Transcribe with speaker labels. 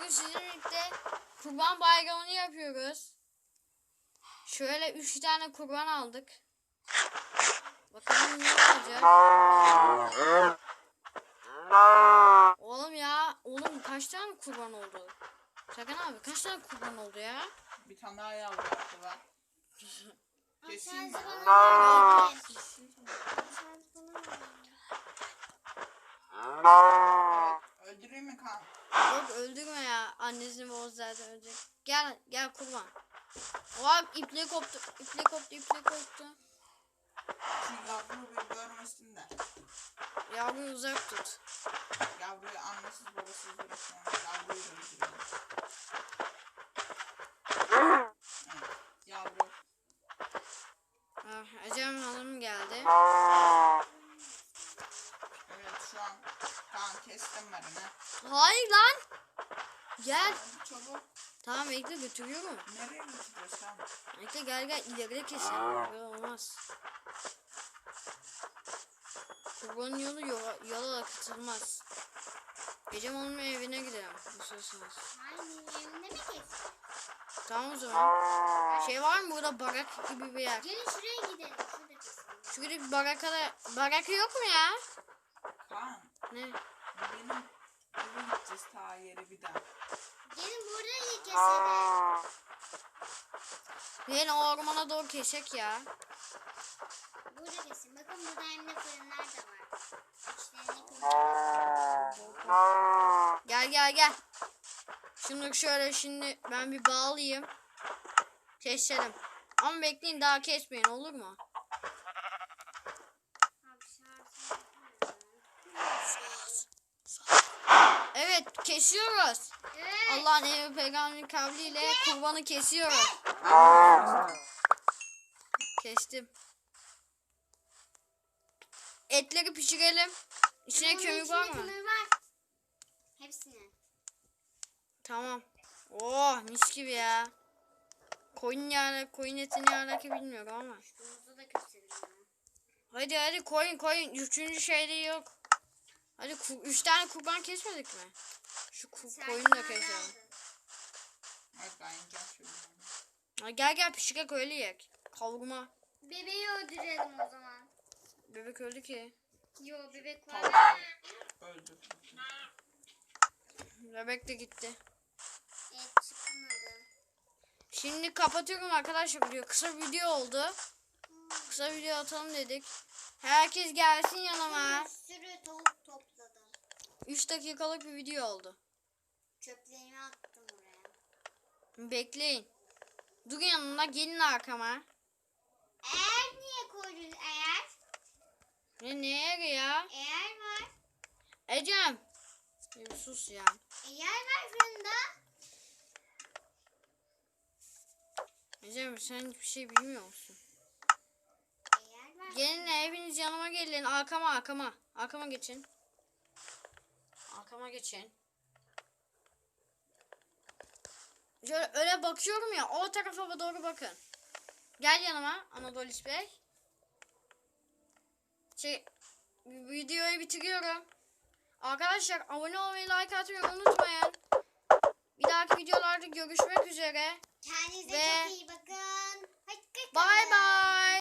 Speaker 1: sizinle birlikte kurban bayramını yapıyoruz. Şöyle 3 tane kurban aldık. Bakalım ne olacak. Oğlum ya. Oğlum kaç tane kurban oldu? Sakın abi kaç tane kurban oldu ya?
Speaker 2: Bir tane daha yavru yaptılar. Keseyim mi? Öldüreyim mi kan?
Speaker 1: Yok öldürme ya. Annesini babası zaten ölecek. Gel kurban. Oha iple koptu. İple koptu.
Speaker 2: Şu yavruyu bir görmesin de.
Speaker 1: Yavruyu uzak tut.
Speaker 2: Yavruyu annesiz babasız bırakmayalım. Yavruyu da öldürelim. Evet, yavru.
Speaker 1: Ecem Hanım geldi.
Speaker 2: Evet şu an kan kestim ben ne?
Speaker 1: Hayır lan. Gel.
Speaker 2: Hadi çabuk.
Speaker 1: Tamam bekle götürüyorum.
Speaker 2: Nereye götürüyorsun sen?
Speaker 1: Bekle gel ileride keselim. Böyle olmaz. Kurbanın yolu yola akıtılmaz. Ecem Hanım'ın evine gidelim. İstiyorsanız.
Speaker 3: Hayır, evinde mi kestin?
Speaker 1: Tamam o zaman. Şey var mı burada barak gibi bir yer?
Speaker 3: Gelin şuraya gidelim. Şurada kesin.
Speaker 1: Şurada bir baraka yok mu ya?
Speaker 2: Kan.
Speaker 1: Ne?
Speaker 2: Benim eve gideceğiz ta yere bir daha.
Speaker 3: Gelin burayı keselim.
Speaker 1: Yine ormana doğru kesek ya.
Speaker 3: Burada kesin. Bakın burada hem de fırınlar da var. İçlerini kırmızı.
Speaker 1: Gel. Şunu şöyle şimdi ben bir bağlayayım. Keselim. Ama bekleyin daha kesmeyin olur mu? Evet kesiyoruz.
Speaker 3: Evet.
Speaker 1: Allah'ın emri peygamberin kavliyle kurbanı kesiyoruz. Kestim. Etleri pişirelim. İçine
Speaker 3: Bunun
Speaker 1: kömür
Speaker 3: içinde
Speaker 1: var mı?
Speaker 3: kömür var. Hepsini.
Speaker 1: Tamam. Oh mis gibi ya. Koyun etini alaka bilmiyorum ama.
Speaker 3: Domuzu da keselim.
Speaker 1: Hadi koyun. Üçüncü şeyde yok. Hadi 3 tane kurban kesmedik mi? Şu koyunu da keselim.
Speaker 2: Evet ben yiyeceğim şimdi.
Speaker 1: Ha, gel pişirek öyle yiyek. Kavurma.
Speaker 3: Bebeği öldürelim o zaman.
Speaker 1: Bebek öldü ki.
Speaker 3: Yo bebek
Speaker 2: Tamam.
Speaker 3: var.
Speaker 2: Öldür.
Speaker 1: Bebek de gitti.
Speaker 3: Evet çıkmadı.
Speaker 1: Şimdi kapatıyorum arkadaşlar video. Kısa video oldu. Kısa video atalım dedik. Herkes gelsin yanıma.
Speaker 3: Bir sürü tavuk topladım.
Speaker 1: 3 dakikalık bir video oldu.
Speaker 3: Çöplerimi attım oraya.
Speaker 1: Bekleyin. Durun yanımda gelin arkama.
Speaker 3: Eğer niye koydun eğer?
Speaker 1: Neye ya?
Speaker 3: Eğer var.
Speaker 1: Ecem. Bir sus ya.
Speaker 3: Eğer var fırında.
Speaker 1: Ecem sen hiçbir şey bilmiyor musun?
Speaker 3: Eğer var.
Speaker 1: Gelin hepiniz yanıma gelin. Arkama. Arkama geçin. Şöyle öyle bakıyorum ya. O tarafa doğru bakın. Gel yanıma Anadolis Bey. Videoyu bitiriyorum. Arkadaşlar abone olmayı, like atmayı unutmayın. Bir dahaki videolarda görüşmek üzere.
Speaker 3: Kendinize
Speaker 1: Ve
Speaker 3: çok iyi bakın. Hoşçakalın.
Speaker 1: Bye bye.